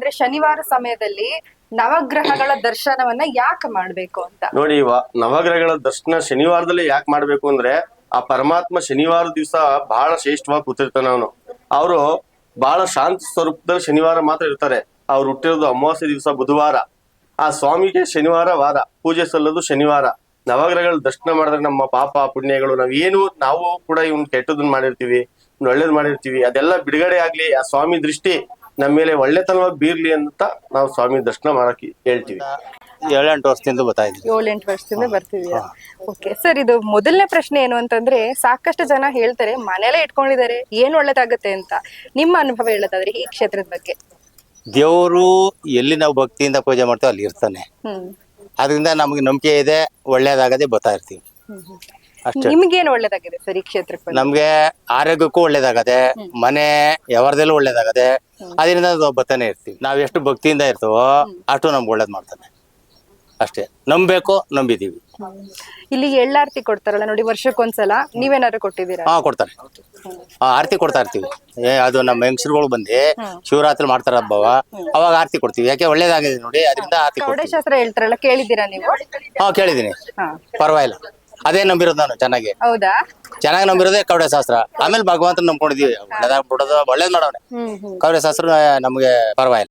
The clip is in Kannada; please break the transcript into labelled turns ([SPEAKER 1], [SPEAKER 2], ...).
[SPEAKER 1] ಅಂದ್ರೆ ಶನಿವಾರ ಸಮಯದಲ್ಲಿ ನವಗ್ರಹಗಳ ದರ್ಶನವನ್ನ ಯಾಕೆ ಮಾಡ್ಬೇಕು ಅಂತ?
[SPEAKER 2] ನೋಡಿ, ನವಗ್ರಹಗಳ ದರ್ಶನ ಶನಿವಾರದಲ್ಲಿ ಯಾಕೆ ಮಾಡ್ಬೇಕು ಅಂದ್ರೆ, ಆ ಪರಮಾತ್ಮ ಶನಿವಾರ ದಿವಸ ಬಹಳ ಶ್ರೇಷ್ಠವಾಗಿ ಕೂತಿರ್ತಾನೆ. ಅವರು ಬಹಳ ಶಾಂತ ಸ್ವರೂಪದಲ್ಲಿ ಶನಿವಾರ ಮಾತ್ರ ಇರ್ತಾರೆ. ಅವ್ರು ಹುಟ್ಟಿರೋದು ಅಮಾವಾಸ್ಯೆ ದಿವಸ ಬುಧವಾರ. ಆ ಸ್ವಾಮಿಗೆ ಶನಿವಾರ ವಾರ ಪೂಜೆ ಸಲ್ಲೋದು ಶನಿವಾರ. ನವಗ್ರಹಗಳ ದರ್ಶನ ಮಾಡಿದ್ರೆ ನಮ್ಮ ಪಾಪ ಪುಣ್ಯಗಳು, ನಾವು ಕೂಡ ಇವ್ನ ಕೆಟ್ಟದನ್ನ ಮಾಡಿರ್ತೀವಿ, ಒಳ್ಳೇದ್ ಮಾಡಿರ್ತೀವಿ, ಅದೆಲ್ಲ ಬಿಡುಗಡೆ ಆಗ್ಲಿ, ಆ ಸ್ವಾಮಿ ದೃಷ್ಟಿ ನಮ್ಮ ಮೇಲೆ ಒಳ್ಳೆತನವಾಗಿ ಬೀರ್ಲಿ ಅಂತ ನಾವು ಸ್ವಾಮಿ ದರ್ಶನ ಮಾಡಕ್ ಹೇಳ್ತೀವಿ.
[SPEAKER 3] 7-8 ವರ್ಷದಿಂದ ಬರ್ತಾ ಇದ್ವಿ.
[SPEAKER 1] 7-8 ವರ್ಷದಿಂದ ಬರ್ತಿದೀರಾ? ಓಕೆ ಸರ್, ಇದು ಮೊದಲನೇ ಪ್ರಶ್ನೆ ಏನು ಅಂತಂದ್ರೆ, ಸಾಕಷ್ಟು ಜನ ಹೇಳ್ತಾರೆ ಮನೆಯಲ್ಲೇ ಇಟ್ಕೊಂಡಿದ್ದಾರೆ ಏನ್ ಒಳ್ಳೇದಾಗತ್ತೆ ಅಂತ. ನಿಮ್ಮ ಅನುಭವ ಹೇಳೋದಾದ್ರೆ ಈ ಕ್ಷೇತ್ರದ ಬಗ್ಗೆ.
[SPEAKER 3] ದೇವರು ಎಲ್ಲಿ ನಾವು ಭಕ್ತಿಯಿಂದ ಪೂಜೆ ಮಾಡ್ತೀವಿ ಅಲ್ಲಿ ಇರ್ತಾನೆ. ಅದರಿಂದ ನಮ್ಗೆ ನಂಬಿಕೆ ಇದೆ, ಒಳ್ಳೇದಾಗದೆ ಬರ್ತಾ ಇರ್ತೀವಿ ಅಷ್ಟೇ.
[SPEAKER 1] ನಿಮ್ಗೇನು ಒಳ್ಳೇದಾಗಿದೆ ಸರ್ ಈ ಕ್ಷೇತ್ರಕ್ಕೆ ಬಂದು?
[SPEAKER 3] ನಮ್ಗೆ ಆರೋಗ್ಯಕ್ಕೂ ಒಳ್ಳೇದಾಗದೆ, ಮನೆ ವ್ಯವಹಾರದಲ್ಲೂ ಒಳ್ಳೇದಾಗದೆ, ಅದರಿಂದ ನಾವು ಬರ್ತಾನೆ ಇರ್ತೀವಿ. ನಾವ್ ಎಷ್ಟು ಭಕ್ತಿಯಿಂದ ಇರ್ತೀವೋ ಅಷ್ಟು ನಮ್ಗೆ ಒಳ್ಳೇದ್ ಮಾಡ್ತಾನೆ ಅಷ್ಟೇ. ನಂಬೇಕು, ನಂಬಿದೀವಿ.
[SPEAKER 1] ಇಲ್ಲಿ ಎಳ್ಳಾರ್ತಿ ಕೊಡ್ತಾರಲ್ಲ ನೋಡಿ, ವರ್ಷಕ್ಕೊಂದ್ಸಲ ನೀವೇನಾದ್ರು ಕೊಟ್ಟಿದ್ದೀರಾ?
[SPEAKER 3] ಕೊಡ್ತಾರೆ. ಆರತಿ ಕೊಡ್ತಾ ಇರ್ತೀವಿ. ಅದು ನಮ್ಮ ಹೆಂಗಸರುಗಳು ಬಂದು ಶಿವರಾತ್ರಿ ಮಾಡ್ತಾರ ಹಬ್ಬವ, ಅವಾಗ ಆರತಿ ಕೊಡ್ತೀವಿ. ಯಾಕೆ ಒಳ್ಳೇದಾಗಿದೆ ನೋಡಿ, ಅದರಿಂದ ಆರತಿ ಕೊಡ್ತೀವಿ.
[SPEAKER 1] ಶಾಸ್ತ್ರ ಹೇಳ್ತಾರಲ್ಲ, ಕೇಳಿದ್ದೀರಾ ನೀವು?
[SPEAKER 3] ಕೇಳಿದೀನಿ. ಪರವಾಗಿಲ್ಲ, ಅದೇ ನಂಬಿರೋದು ನಾನು ಚೆನ್ನಾಗಿ.
[SPEAKER 1] ಹೌದಾ?
[SPEAKER 3] ಚೆನ್ನಾಗಿ ನಂಬಿರೋದೇ ಕವಡೆ ಶಾಸ್ತ್ರ. ಆಮೇಲೆ ಭಗವಂತನ ನಂಬ್ಕೊಂಡಿದೀವಿ. ಒಳ್ಳೇದಾಗ್ಬಿಡೋದು, ಒಳ್ಳೇದ್ ಮಾಡೋನೆ. ಕವಡೆ ಶಾಸ್ತ್ರ ನಮ್ಗೆ ಪರವಾಗಿಲ್ಲ.